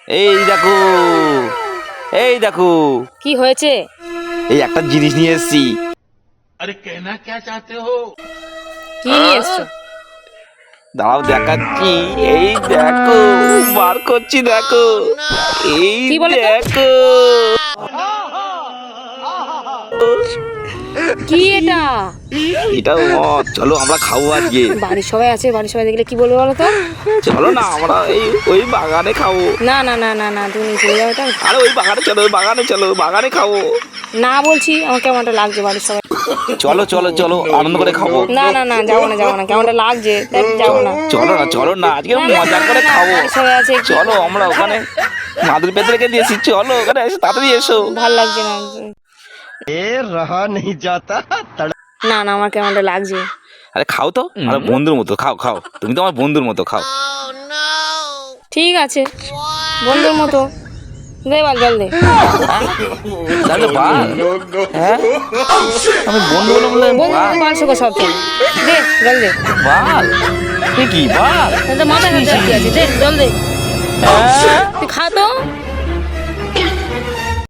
এই দেখো, এই দেখো, কি হয়েছে? এই একটা জিনিস নিয়ে এসেছি। কি নিয়ে এসছো? দাঁড়াও দেখাচ্ছি। এই দেখো, বার করছি, দেখো। এই কি বলো তো? দেখো, কি এটা? এটা মদ। চলো আমরা খাবো আজকে। বাড়ির সবাই আছে, বাড়ির সবাই দেখলে কি বলবে বলো তো? চলো না, আমরা ওই বাগানে খাবো। না না না না না, তুমি নিয়ে চলে যাও এটা। আরে ওই বাগানে চলো, ওই বাগানে চলো, বাগানে খাবো। না বলছি, আমার কেমনটা লাগছে বাড়ির সবাই। চলো চলো চলো, আনন্দ করে খাবো। না না না, যাবো না যাবো না, কেমনটা লাগছে তাই যাবো না। চলো না, চলো না, আজকে মজা করে না, খাবো। বাড়ির সবাই আছে। চলো, আমরা ওখানে মাদুর পেতে রেখে দিয়েছি। চলো ওখানে এসে তাড়াতাড়ি এসো। ভাল লাগছে না। रहा नहीं जाता। না না, আমার কেমনটা লাগছে। আরে খাও তো, আরে বন্ধুর মতো খাও, খাও। তুমি তো আমার বন্ধুর মতো, খাও। ঠিক আছে, বন্ধুর মতো। দে বাল, জল দে। তাহলে বাল, হ্যাঁ আমি বন্ধু বলে বলে বন্ধু বাল, বাল শোকো সব চেয়ে। দে জল দে। বাল, তুই কি বাল? মাথায় হাত দিয়ে কি আছে? দে জল দে। হ্যাঁ? তুই খা তো।